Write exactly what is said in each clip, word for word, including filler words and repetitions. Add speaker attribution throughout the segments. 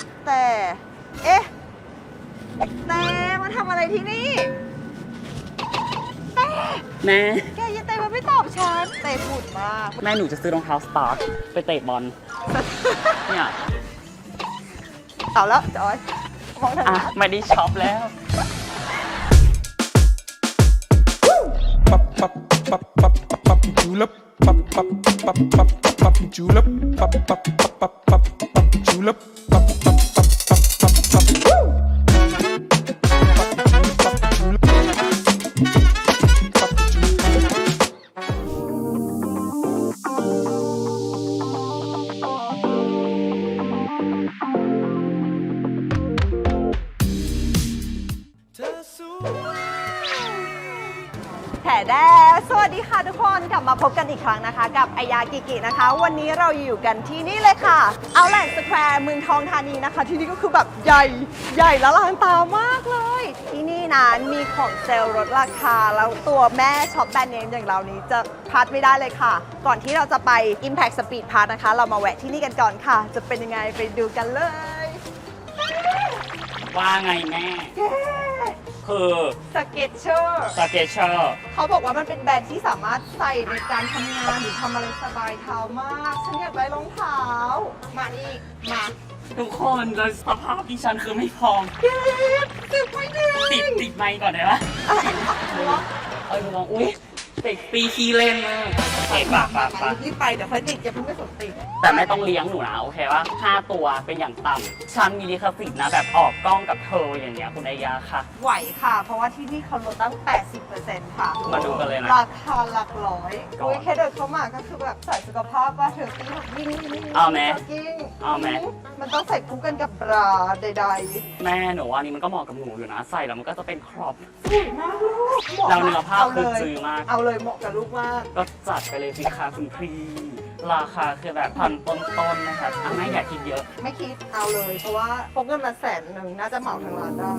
Speaker 1: แต่เอ๊ะแต่มาทำอะไรที่นี่แต่
Speaker 2: แม่
Speaker 1: แกยันเตมันไม่ตอบฉันเตพูดมาก
Speaker 2: แม่หนูจะซื้อรองเท้าสตาร์คไปเตะบอลเนี่ย
Speaker 1: เอาแล้วจอยมองทาง
Speaker 2: อ่ะ
Speaker 1: นั้น
Speaker 2: ไม่ได้ช็อปแล้ว
Speaker 3: pop pop pop pop pop pop julep pop pop pop pop pop julep pop pop pop pop pop julep pop pop pop pop pop pop woo pop julep pop julep
Speaker 1: แถแดสวัสดีค่ะทุกคนกลับมาพบกันอีกครั้งนะคะ กับอายากิกินะคะ วันนี้เราอยู่กันที่นี่เลยค่ะเอาแลนด์สแควร์เมืองทองธานีนะคะ ที่นี่ก็คือแบบใหญ่ใหญ่และลานตามากเลย ที่นี่นั้นมีของเซลล์ลดราคาแล้วตัวแม่ช็อปแบรนด์เนมอย่างเรานี้จะพลาดไม่ได้เลยค่ะ ก่อนที่เราจะไป Impact Speed Park นะคะ เรามาแวะที่นี่กันก่อนค่ะ จะเป็นยังไงไปดูกันเลย
Speaker 2: ว่าไงแม่ คือ
Speaker 1: สเก็ตเชอร์
Speaker 2: สเก็ตเชอร์
Speaker 1: เขาบอกว่ามันเป็นแบรนด์ที่สามารถใส่ในการทำงานหรือทำอะไรสบายเท้ามาก ฉันอยากได้รองเท้า มานี่มา
Speaker 2: ทุกคนแล้วสภาพดิฉันคือไม่พร้อม
Speaker 1: เก็บติดไม่ดี
Speaker 2: ติดติดไมค์ก่อนได้ปะเอ้ยมองอุ้ยติดปีคีเล่นมากเอ้ยปากปากปาก
Speaker 1: รีบไปเดี๋ยวค่อยติดอย่าเพิ่งไปสนติด
Speaker 2: แต่ไม่ต้องเลี้ยงหนูนะโอเคป่ะห้าตัวเป็นอย่างต่ำฉันมีลิขสิทธิ์นะแบบออกกล้องกับเธออย่างเงี้ยคุณไอยาค่ะ
Speaker 1: ไหวค่ะ เพราะว่าที่นี่เขาลดตั้ง แปดสิบเปอร์เซ็นต์ ค่ะ
Speaker 2: มาดูกันเลยนะ
Speaker 1: ราคาหลักร้อย
Speaker 2: ก่อน
Speaker 1: อุ้ยแค่เดินเข้ามาก็คือแบบใส่สุขภาพว่าเธอกิ้งวิ่งวิ่งวิ่ง
Speaker 2: เอาไหม
Speaker 1: กิ้ง
Speaker 2: เอาไหม
Speaker 1: มันต้องใส่คู่กันกับบราใด
Speaker 2: แม่หนูว่านี่มันก็เหมาะกับหนูอยู่นะ ใส่แล้วมันก็จะเป็นครอป
Speaker 1: ๆสวยมากลูก
Speaker 2: เราเนื้อผ้า
Speaker 1: เอา
Speaker 2: คื
Speaker 1: เล
Speaker 2: อย ซื้อมาก
Speaker 1: เอาเลยเหมาะกับลูกมาก
Speaker 2: ก็จัดไปเลยสิคะคุณพี่ราคาคือแบบพันต้นๆนะครับอ่ะแม่อย่าคิดเยอะ
Speaker 1: ไม่คิดเอาเลย เพราะว่าพกเงินมาแสนหนึ่งน่าจะเหมาทางร้านได้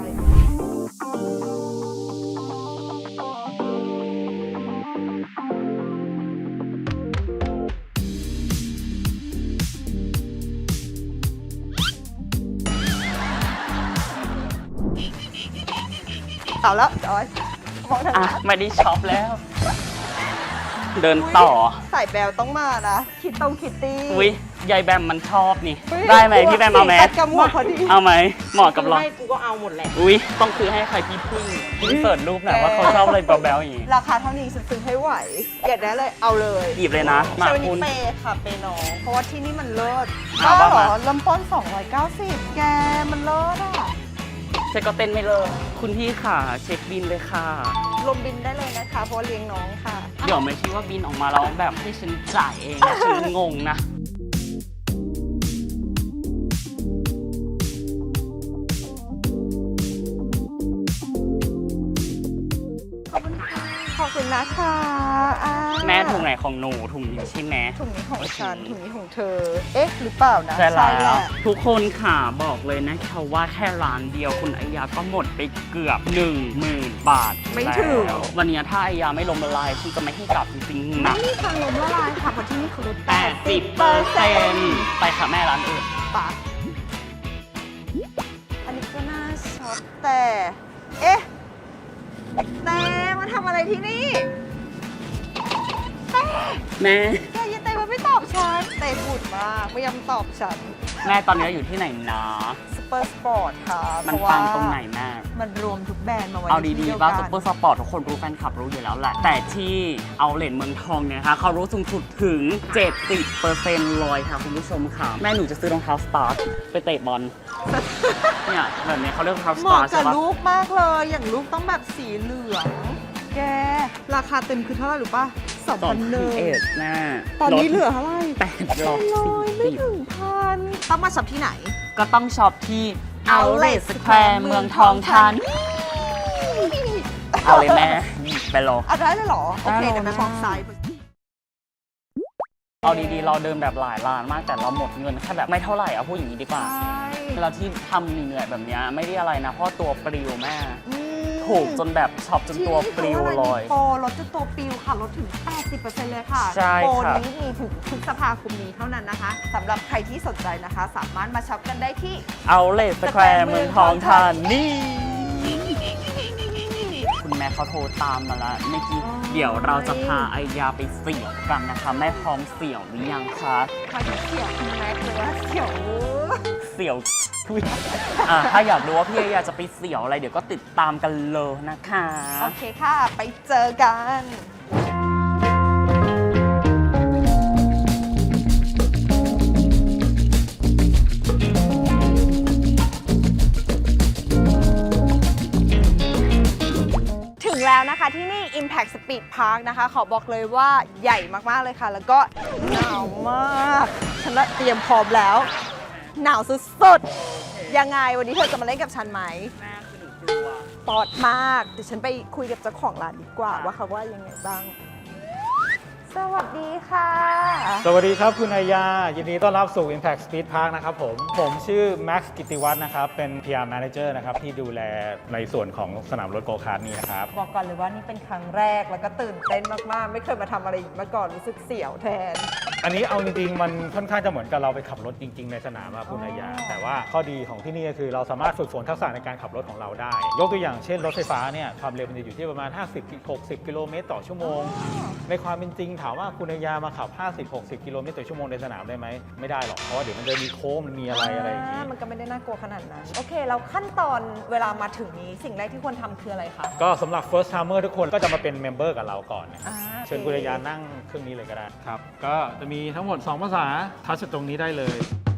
Speaker 1: เอาแล้วจอยมองทาง
Speaker 2: อ่ะ
Speaker 1: นั้น
Speaker 2: ไม่ได้ช็อปแล้ว เดินต่อ
Speaker 1: ใส่แบลต้องมานะ คิดตรงคิตตี้
Speaker 2: อุ้ยยายแบมมันชอบนี่
Speaker 1: เฮ้ย
Speaker 2: ได้ไหมพี่แบมเอาไหม
Speaker 1: ตัดกับหมวกพอดี
Speaker 2: เอาไหมเหมาะกับเรา
Speaker 4: ให้กูก็เอาหมดแหละ
Speaker 2: อุ้ยต้องซื้อให้ใครพี่พึ่งพี่เสิร์ชรูปหน่อยว่าเขาชอบอะไรแบลๆอย่างงี้
Speaker 1: ราคาเท่านี้ฉันซื้อให้ไหว อยากได้เลยเอาเลย
Speaker 2: หยิบเลยนะมา
Speaker 1: ใช่วัน
Speaker 2: คุ
Speaker 1: นี้
Speaker 2: ณ
Speaker 1: เปย์ค่ะเปย์น้อง เพราะว่าที่นี่มันเลิศ
Speaker 2: เอา
Speaker 1: บ้าเหร
Speaker 2: ว่า
Speaker 1: อ
Speaker 2: มา
Speaker 1: ลำต้นสองร้อยเก้าสิบแกมันเลิศอ่ะ
Speaker 2: เช็คก็เต้นไม่เลิกคุณพี่ค่ะเช็คบินเลยค่ะ
Speaker 1: ลมบินได้เลยนะคะ เพราะว่าเลี้ยงน้องค่ะ
Speaker 2: เดี๋ยวไม่คิดว่าบินออกมาแล้วแบบให้ฉันจ่ายเองนะฉันงงนะ
Speaker 1: ขอบคุณนะคะอ่า
Speaker 2: แม่ถุงไหนของหนูถุงนี้ใช่ไหม
Speaker 1: ถุงนี้ของฉัน ถุงนี้ของเธอ เอ๊ะ หรือเปล่านะ
Speaker 2: ใช่แล้ว
Speaker 1: แหละ
Speaker 2: ทุกคนค่ะบอกเลยนะคะว่าแค่ร้านเดียวคุณอายาก็หมดไปเกือบหนึ่งหมื่นบาท
Speaker 1: ไม่ถึง
Speaker 2: แล้ววันนี้ถ้าอายาไม่ล้มละลายฉันจะไม่ให้กลับจริงๆ
Speaker 1: ไม่
Speaker 2: นะ
Speaker 1: มีทางล้มละลายค่ะเพราะที่นี่เขาลด
Speaker 2: แปดสิบเปอร์เซ็นต์ไปค่ะแม่ร้านอื่น
Speaker 1: ปะอันนี้ก็น่าช็อปแต่ เอ๊ะ แต่มาทำอะไรที่นี่ แต่
Speaker 2: แม่
Speaker 1: แกยันเตมันไม่ตอบฉันเตพูดมากไม่ยอมตอบฉัน
Speaker 2: แม่ตอนนี้อยู่ที่ไหนนะ
Speaker 1: สเปอร์สปอร์ตค่ะ
Speaker 2: มัน
Speaker 1: เพราะ
Speaker 2: ปั
Speaker 1: ว่าง
Speaker 2: ตรงไหนแม่
Speaker 1: มันรวมทุกแบรนด์มาไว้
Speaker 2: เอา
Speaker 1: ในที่
Speaker 2: ดี
Speaker 1: เยว
Speaker 2: ๆว่า
Speaker 1: กั
Speaker 2: ซุ
Speaker 1: น
Speaker 2: ปเปอร์สปอร์ตทุกคนรู้แฟนคลับรู้อยู่แล้วแหละ แต่ที่เอาเลนเมืองทองเนี่ยนะคะเขารู้สูงสุดถึง เจ็ดสิบเปอร์เซ็นต์ เลยค่ะคุณผู้ชมค่ะ แม่หนูจะซื้อรองเท้าสตาร์ทไปเตะบอล เนี่ยแบบนี้เขาเรียกรองเท้าส
Speaker 1: เห
Speaker 2: ตา
Speaker 1: มาะ
Speaker 2: ร์ท
Speaker 1: กั
Speaker 2: ใช่
Speaker 1: บ
Speaker 2: ปะ
Speaker 1: ลูกมากเลย อย่างลูกต้องแบบสีเหลือง แก ราคาเต็มคือเท่าไหร่รู้ป่ะสอง
Speaker 2: สอ
Speaker 1: พั
Speaker 2: ง
Speaker 1: น
Speaker 2: พั
Speaker 1: ห
Speaker 2: น
Speaker 1: นึ่ง
Speaker 2: เอ็ดแม่
Speaker 1: ตอนนี้เหลือเท่าไหร่
Speaker 2: แปดร้อย
Speaker 1: ร้อยไม่
Speaker 2: สี่สิบ
Speaker 1: ถึงพันต้องมาช็อปที่ไหน
Speaker 2: ก็ต้องช็อปที่ Outlet Square เมืองทองธานีเอาเลยแม่ไปรอ
Speaker 1: เอาได้เลยเหรอ โอเค
Speaker 2: ได้เลย
Speaker 1: เดี๋ยวไปมองซ้าย
Speaker 2: เอาดีๆ เราเดินแบบหลายร้านมากแต่เราหมดเงินแค่แบบไม่เท่าไหร่เอาพูดอย่างนี้ดีกว่า
Speaker 1: ใช่
Speaker 2: เราที่ทำเหนื่อยๆแบบเนี้ยไม่ได้อะไรนะเพราะตัวปลิวแม่
Speaker 1: อืม
Speaker 2: ถูกจนแบบช็อปจนตัวปลิวเลย
Speaker 1: โปรลดจนตัวปลิวค่ะลดถึง แปดสิบเปอร์เซ็นต์ เลยค่ะ
Speaker 2: ใช่
Speaker 1: โปร
Speaker 2: ค่ะ
Speaker 1: นี้มีถึงพฤษภาคมนี้เท่านั้นนะคะสำหรับใครที่สนใจนะคะ สามารถมาช็อปกันได้ที่
Speaker 2: เอาเลสสแควร์เมืองทองธานีคุณแม่เขาโทรตามมาแล้วเมื่อกี้
Speaker 1: โอ้ย
Speaker 2: เดี๋ยวเราจะพาไอยาไปเสี่ยวกันนะคะแม่พร้อมเสี่ยวหรือยังคะ
Speaker 1: มาถึงเสี่ยวคุณแม็กหรือว่าเสี่ยว
Speaker 2: เสี่ยว อ่ะถ้าอยากรู้ว่าพี่ไอยาจะไปเสี่ยวอะไรเดี๋ยวก็ติดตามกันเลยนะคะ
Speaker 1: โอเคค่ะ ไปเจอกัน ถึงแล้วนะคะที่นี่ Impact Speed Park นะคะ ขอบอกเลยว่าใหญ่มาก ๆ เลยค่ะ แล้วก็หนาวมาก ฉันเตรียมพร้อมแล้ว หนาวสุดๆ ยังไงวันนี้เธอจะมาเล่นกับฉันไหม
Speaker 2: แม่คือหนูกลัว
Speaker 1: ปอดมาก เดี๋ยวฉันไปคุยกับเจ้าของร้านดีกว่า ว่าเขาว่ายังไงบ้าง สวัสดีค่ะ
Speaker 4: สวัสดีครับคุณอายา ยินดีต้อนรับสู่ Impact Speed Park นะครับผม ผมชื่อ Max กิติวัฒน์นะครับ เป็น พี อาร์ Manager นะครับที่ดูแลในส่วนของสนามรถโกคาร์ทนี้นะครับ
Speaker 1: บอกก่อนเลยว่านี่เป็นครั้งแรกแล้วก็ตื่นเต้นมากๆ ไม่เคยมาทำอะไรอย่างนี้มาก่อนรู้สึกเสียวแทน
Speaker 4: อันนี้เอาจริงๆ มันค่อนข้างจะเหมือนกับเราไปขับรถจริงๆ ในสนามอะคุณอายา แต่ว่าข้อดีของที่นี่ก็คือเราสามารถฝึกฝนทักษะในการขับรถของเราได้ ยกตัวอย่างเช่นรถไฟฟ้าเนี่ยความเร็วมันจะอยู่ที่ประมาณ ห้าสิบถึงหกสิบ กิโลเมตรต่อชั่วโมง ในความเป็นจริงถามว่าคุณอายามาขับ ห้าสิบ หกสิบ กิโลเมตรต่อชั่วโมงในสนามได้ไหมไม่ได้หรอกเพราะว่าเดี๋ยวมันจะมีโค้งมันมีอะไรอะไรอย่างนี้
Speaker 1: มันก็ไม่ได้น่ากลัวขนาดนั้น โอเคแล้วขั้นตอนเวลามาถึงนี้สิ่งแรกที่ควรทำคืออะไรคะ
Speaker 4: ก็สำหรับ first timer ทุกคนก็จะมาเป็นเมมเบอร์กับเราก่อนนะ
Speaker 1: อ่า
Speaker 4: เชิญคุณอายานั่งเครื่องนี้เลยก็ได้ครับ ก็จะมีทั้งหมด สอง ภาษา ทัชตรงนี้ได้เลย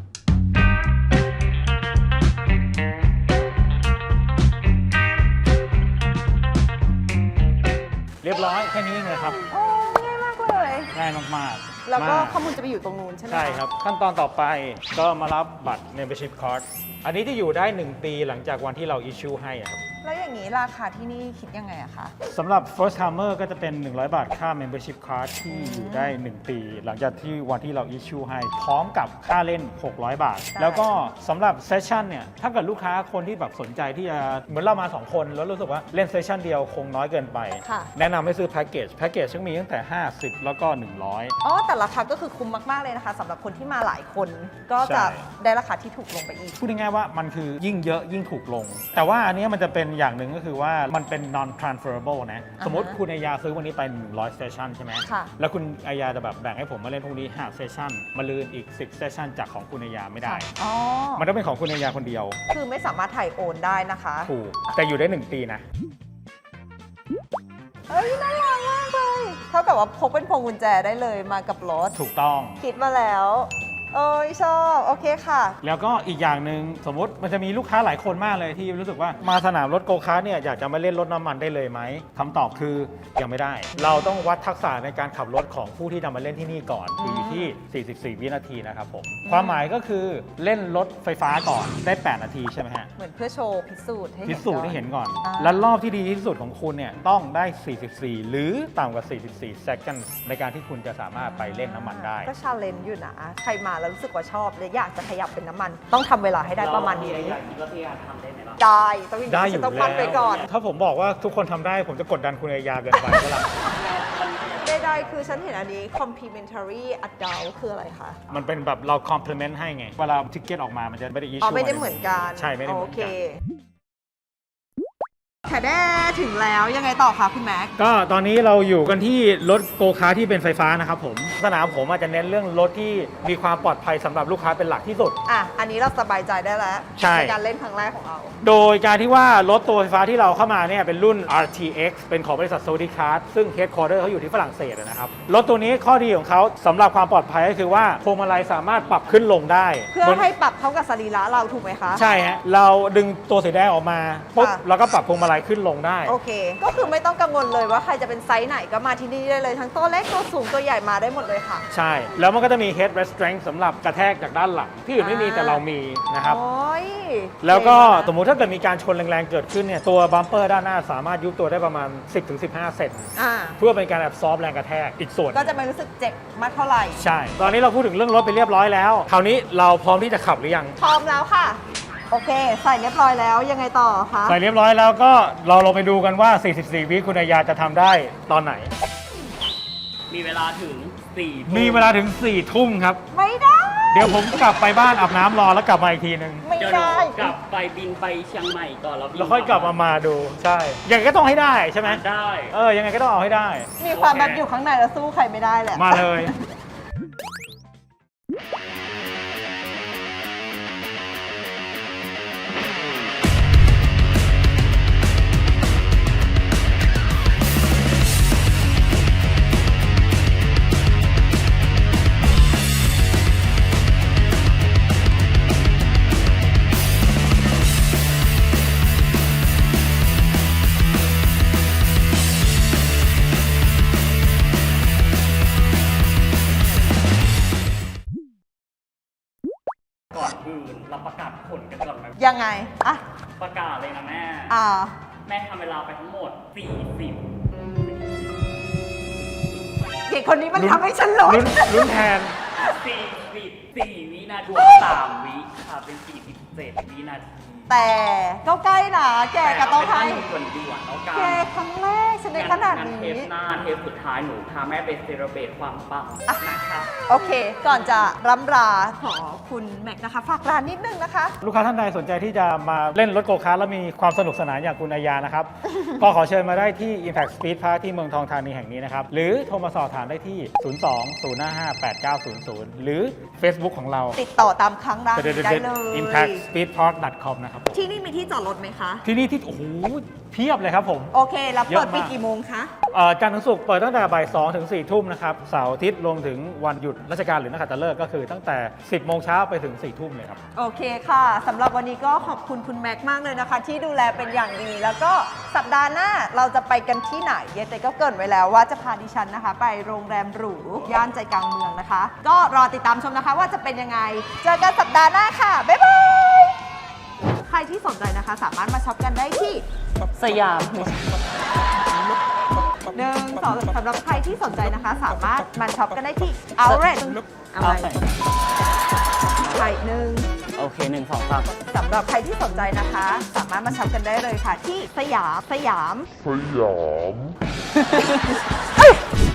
Speaker 4: เรียบร้อยแค่นี้เองเลยครับ
Speaker 1: โอ้ง่ายมากเลย
Speaker 4: ง่ายมากๆ
Speaker 1: แล้วก็
Speaker 4: มาก
Speaker 1: ข้อมูลจะไปอยู่ตรงนู้นใช่ไหมะ
Speaker 4: ใช่ครับ ขั้นตอนต่อไปก็มารับบัตร membership card อันนี้จะอยู่ได้ หนึ่ง ปีหลังจากวันที่เรา issue ให้อะครับ
Speaker 1: แล้วอย่างนี้ราคาที่นี่คิดยังไงอะคะ
Speaker 4: สำหรับ first timer ก็จะเป็น หนึ่งร้อย บาทค่า membership card ที่อยู่ได้ หนึ่ง ปี หลังจากที่วันที่เรา issue ให้ พร้อมกับค่าเล่น หกร้อย บาท แล้วก็สำหรับ session เนี่ย ถ้าเกิดลูกค้าคนที่แบบสนใจที่จะเหมือนเรามา สอง คนแล้วรู้สึกว่าเล่น session เดียวคงน้อยเกินไป
Speaker 1: ค่ะ
Speaker 4: แนะนำให้ซื้อ package package ซึ่งมีตั้งแต่ ห้าสิบ แล้วก็ หนึ่งร้อย
Speaker 1: อ๋อแต่ราคาก็คือคุ้มมากๆเลยนะคะสำหรับคนที่มาหลายคน ก็จะ
Speaker 4: ใช่
Speaker 1: ได้ราคาที่ถูกลงไปอีก
Speaker 4: พูดง่ายๆว่ามันคือยิ่งเยอะยิ่งถูกลง แต่ว่าอันเนี้ยมันจะเป็นอย่างหนึ่งก็คือว่ามันเป็น non transferable นะ
Speaker 1: อ่าฮะ
Speaker 4: สมมติคุณอายาซื้อวันนี้ไป หนึ่งร้อย session ใช่ไหม
Speaker 1: ค่ะ
Speaker 4: แล้วคุณอายาจะแบบแบ่งให้ผมมาเล่นพรุ่งนี้ ห้า session มาลืนอีก สิบ session จากของคุณอายาไม่ได้
Speaker 1: อ๋อ
Speaker 4: มันต้องเป็นของคุณอายาคนเดียว
Speaker 1: คือไม่สามารถถ่ายโอนได้นะคะ
Speaker 4: ถูก แต่อยู่ได้ หนึ่ง ปีนะ
Speaker 1: เฮ้ยน่ารักมากเลยเท่ากับว่าพกเป็นพวงกุญแจได้เลยมากับรถ
Speaker 4: ถูกต้อง
Speaker 1: คิดมาแล้วเอ้ยชอบ โอเคค่ะ
Speaker 4: แล้วก็อีกอย่างหนึ่งสมมติมันจะมีลูกค้าหลายคนมากเลยที่รู้สึกว่ามาสนามรถโกคาร์ทเนี่ยอยากจะมาเล่นรถน้ำมันได้เลยไหมคำตอบคือยังไม่ได้ เราต้องวัดทักษะในการขับรถของผู้ที่จะมาเล่นที่นี่ก่อนคืออยู่ที่ สี่สิบสี่ วินาทีนะครับผมความหมายก็คือเล่นรถไฟฟ้าก่อนได้ แปด นาทีใช่ไหมฮะ
Speaker 1: เหมือนเพื่อโชว์พิสูจน์ให้
Speaker 4: พิ
Speaker 1: เห็น
Speaker 4: สูจน์
Speaker 1: ก่อน
Speaker 4: ให้เห็นก่อน
Speaker 1: อ่า
Speaker 4: และรอบที่ดีที่สุดของคุณเนี่ยต้องได้ สี่สิบสี่ หรือต่ำกว่า สี่สิบสี่ seconds ในการที่คุณจะสามารถไปเล่นน้ำมันได้
Speaker 1: ก็ชาเลนจ์อยู่นะ ใครมาแล้วรู้สึกว่าชอบและอยากจะขยับเป็นน้ำมัน ต้องทำเวลาให้ได้ประมาณนี้
Speaker 2: อยากคิดว่าพี่อาทำได้ไหมล่ะ
Speaker 1: ได้ต้องอย่าง
Speaker 4: ได้
Speaker 1: นี้
Speaker 4: อ
Speaker 1: ฉั
Speaker 4: ยู่
Speaker 1: นต้อง
Speaker 4: แล้
Speaker 1: ปั้นไปก่อน
Speaker 4: ว ถ้าผมบอกว่าทุกคนทำได้ผมจะกดดันคุณอายาเกินไปก็แล้ว
Speaker 1: ใดๆคือฉันเห็นอันนี้ complimentary adult คืออะไรคะ
Speaker 4: มันเป็นแบบเรา compliment ให้ไง เวลาทิกเก็ตออกมามันจะไม่ได้ issue
Speaker 1: อ๋อไม่ได้เหมือนกัน
Speaker 4: ใช่ไม่ได้เหมื
Speaker 1: โอ
Speaker 4: อน
Speaker 1: เค
Speaker 4: กัน
Speaker 1: แค่ได้ถึงแล้วยังไงต่อคะคุณแม็ก
Speaker 4: ก็ตอนนี้เราอยู่กันที่รถโกคาร์ทที่เป็นไฟฟ้านะครับผม สนามผมอาจจะเน้นเรื่องรถที่มีความปลอดภัยสำหรับลูกค้าเป็นหลักที่สุด
Speaker 1: อ่ะ อันนี้เราสบายใจได้แล้ว
Speaker 4: ใช่
Speaker 1: การเล่นครั้งแรกของเรา
Speaker 4: โดยการที่ว่ารถตัวไฟฟ้าที่เราเข้ามาเนี่ยเป็นรุ่น อาร์ ที เอ็กซ์ เป็นของบริษัท Saudi Cars ซึ่ง headquarter เขาอยู่ที่ฝรั่งเศสนะครับ รถตัวนี้ข้อดีของเขาสำหรับความปลอดภัยก็คือว่าพวงมาลัยสามารถปรับขึ้นลงได้
Speaker 1: เพื่อ
Speaker 4: หมืน
Speaker 1: ให้ปรับเข้ากับสรีระเราถูกไหมคะ
Speaker 4: ใช่ฮะ เราดึงตัวสีแดงออกมาปุ๊บ
Speaker 1: ค่ะ
Speaker 4: แล้วก็ปรับพวงมาลัยขึ้นลงได้
Speaker 1: โอเค ก็คือไม่ต้องกังวลเลยว่าใครจะเป็นไซส์ไหนก็มาที่นี่ได้เลย ทั้งตัวเล็กตัวสูงตัวใหญ่มาได้หมดเลยค่ะ
Speaker 4: ใช่ แล้วมันก็จะมี head restraint สำหรับกระแทกจากด้านหลัง ที่อื่นไม่มี
Speaker 1: อ่า
Speaker 4: แต่เรามีนะครับ
Speaker 1: โอ้ย
Speaker 4: แล้วก็
Speaker 1: เจ๋งอะ
Speaker 4: สมมุติถ้าเกิดมีการชนแรงๆเกิดขึ้นเนี่ยตัวบัมเปอร์ด้านหน้าสามารถยุบตัวได้ประมาณ สิบถึงสิบห้า เซน
Speaker 1: อ่า
Speaker 4: เพื่อเป็นการแอบซอฟแรงกระแทกอีกส่วน
Speaker 1: ก็จะไม่รู้สึกเจ็บมากเท่าไหร่
Speaker 4: ใช่ ตอนนี้เราพูดถึงเรื่องรถไปเรียบร้อยแล้ว คราวนี้เราพร้อมที่จะขับหรือยัง
Speaker 1: พร้อมแล้วค่ะ
Speaker 4: โ
Speaker 1: โอเค ใส่เรียบร้อยแล้วยังไงต่อคะ
Speaker 4: ใส่เรียบร้อยแล้วก็เราลองไปดูกันว่า สี่สิบสี่ วิคุณอายาจะทำได้ตอนไหน
Speaker 2: มีเวลาถึงสี่
Speaker 4: มีเวลาถึงสี่ทุ่มครับ
Speaker 1: ไม่ได้
Speaker 4: เดี๋ยวผมกลับไปบ้านอาบน้ำรอแล้วกลับมาอีกทีนึง
Speaker 1: ไม่
Speaker 2: เดี๋ยว
Speaker 1: ได้
Speaker 2: กลับไปบินไปเชียงใหม่ก่อนแล้วบิน
Speaker 4: แล้วค่อยกลับมามาดู ใช่ ยังไงก็ต้องให้ได้ใช่ไหม
Speaker 2: ได้
Speaker 4: เออ ยังไงก็ต้องเอาให้ได้
Speaker 1: มีความแบบอยู่ข้างในแล้วสู้ใครไม่ได้แหละ
Speaker 4: มาเลย
Speaker 2: ก่อนอื่นเราประกาศผลกันก่อนไหม
Speaker 1: ยังไง อ่ะ
Speaker 2: ประกาศเลยนะแม่
Speaker 1: อ่า
Speaker 2: แม่ทำเวลาไปทั้งหมด สี่สิบ
Speaker 1: เด็กคนนี้มันทำให้ฉันหล
Speaker 4: ลุ้
Speaker 1: น
Speaker 4: นลุ้นแทน
Speaker 2: สี่สิบสี่วินาทีสามวิค่ะเป็นสี่สิบเจ็ดวินาที
Speaker 1: แต่ก็ใกล้นะแกก็ต้องให้
Speaker 2: ส่วนด่วนแล้วกั
Speaker 1: แก
Speaker 2: น
Speaker 1: ครั้งแรกฉันในขนาด
Speaker 2: งั้
Speaker 1: นี้
Speaker 2: เทปหน้าเทปสุดท้ายหนูพาแม่ไปเซเลบรตความปังนะคะ
Speaker 1: โอเค ก่อนจะร่ำลาขอคุณแม็กนะคะ ฝากร้านนิดนึงนะคะ
Speaker 4: ลูกค้าท่านใดสนใจที่จะมาเล่นรถโกคาร์ทแล้วมีความสนุกสนานอย่างคุณอายานะครับ ก็ขอเชิญมาได้ที่ Impact Speed Park ที่เมืองทองธานีแห่งนี้นะครับ หรือโทรมาสอบถามได้ที่ ศูนย์ สอง ศูนย์ ห้า ห้า แปด เก้า ศูนย์ ศูนย์ หรือ Facebook ของเรา
Speaker 1: ติดต่อตามครั้งร้านได้เลย
Speaker 4: อิมแพ็คสปีดพาร์ค ดอท คอม นะครับ
Speaker 1: ที่นี่มีที่จอดรถไหมคะ
Speaker 4: ที่นี่ที่โอ้โหเพียบเลยครับผม
Speaker 1: โอเค แล้วเปิด
Speaker 4: เยอะ
Speaker 1: ปิ
Speaker 4: มา
Speaker 1: ด
Speaker 4: ก
Speaker 1: กี่โมงคะ
Speaker 4: เอ่อจันทร์ถึงศุกร์เปิดตั้งแต่บ่ายสองถึงสี่ทุ่มนะครับเสาร์อาทิตย์รวมถึงวันหยุดราชการหรือนักขัตฤกษ์ก็คือตั้งแต่ สิบโมงเช้าไปถึงสี่ทุ่มเลยครับ
Speaker 1: โอเคค่ะสำหรับวันนี้ก็ขอบคุณคุณแม็กมากเลยนะคะ ที่ดูแลเป็นอย่างดี แล้วก็สัปดาห์หน้าเราจะไปกันที่ไหนเยเต้ก็เกรินไว้แล้วว่าจะพาดิฉันนะคะ ไปโรงแรมหรูย่านใจกลางเมืองนะคะ ก็รอติดตามชมนะคะว่าจะเป็นยังไง เจอกันสัปดาห์หน้าค่ะ บ๊ายบาย ใครที่สนใจนะคะ สามารถมาช็อปกันได้ที่
Speaker 2: สยาม
Speaker 1: หนึ่งสองสำหรับใครที่สนใจนะคะ สามารถมาช็อปกันได้ที่ Outlet อะไรใครหนึ่ง
Speaker 2: โอเคหนึ่งสองสาม
Speaker 1: สำหรับใครที่สนใจนะคะ สามารถมาช็อปกันได้เลยค่ะ ที่สยามสยาม
Speaker 3: สยาม